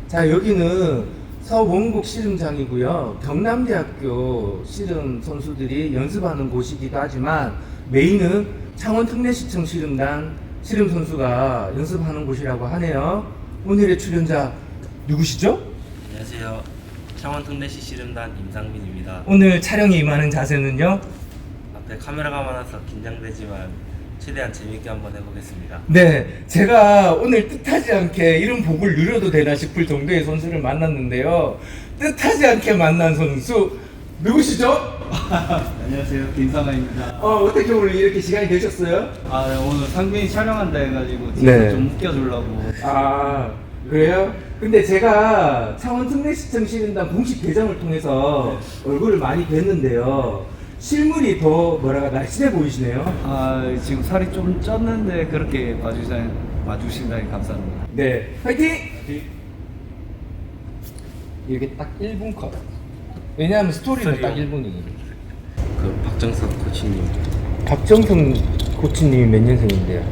자, 여기는 서원국 씨름장이고요. 경남대학교 씨름 선수들이 연습하는 곳이기도 하지만 메인은 창원특례시청 씨름단 씨름 선수가 연습하는 곳이라고 하네요. 오늘의 출연자 누구시죠? 안녕하세요. 창원특례시 씨름단 임상민입니다. 오늘 촬영에 임하는 자세는요? 앞에 카메라가 많아서 긴장되지만 최대한 재밌게 한번 해보겠습니다. 네, 제가 오늘 뜻하지 않게 이런 복을 누려도 되나 싶을 정도의 선수를 만났는데요. 뜻하지 않게 만난 선수 누구시죠? 안녕하세요, 김상아입니다. 어떻게 오늘 이렇게 시간이 되셨어요? 아, 네, 오늘 상빈이 촬영한다 해가지고 네. 좀 웃겨주려고. 아, 그래요? 근데 제가 창원특례시청 씨름단 공식 계정을 통해서 얼굴을 많이 뵀는데요. 실물이 더 날씬해 보이시네요. 아, 지금 살이 좀 쪘는데 그렇게 봐주신다니 감사합니다. 네, 화이팅! 이렇게 딱 1분 컷. 왜냐하면 스토리는 딱 1분이거든요. 그 박정석 코치님 박정성 코치님이 몇 년생인데요?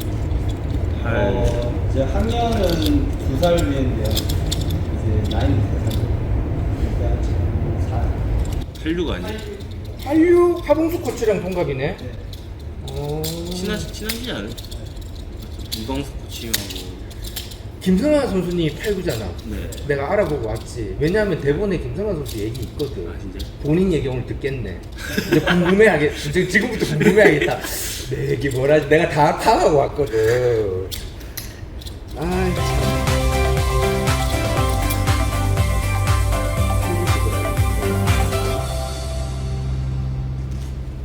제 학년은 2살 위인데요. 이제 나이는 3살. 86 아니에요? 한류 하봉수 코치랑 동갑이네. 친하지 않아요? 이광수 코치님하고. 김성환 선수님 89잖아. 네. 내가 알아보고 왔지. 왜냐하면 대본에 김성환 선수 얘기 있거든. 아, 진짜요? 본인 얘기 오늘 듣겠네. 이제 궁금해하겠. 지금부터 궁금해하겠다. 내 얘기 뭐라지? 내가 다 파악하고 왔거든. 아,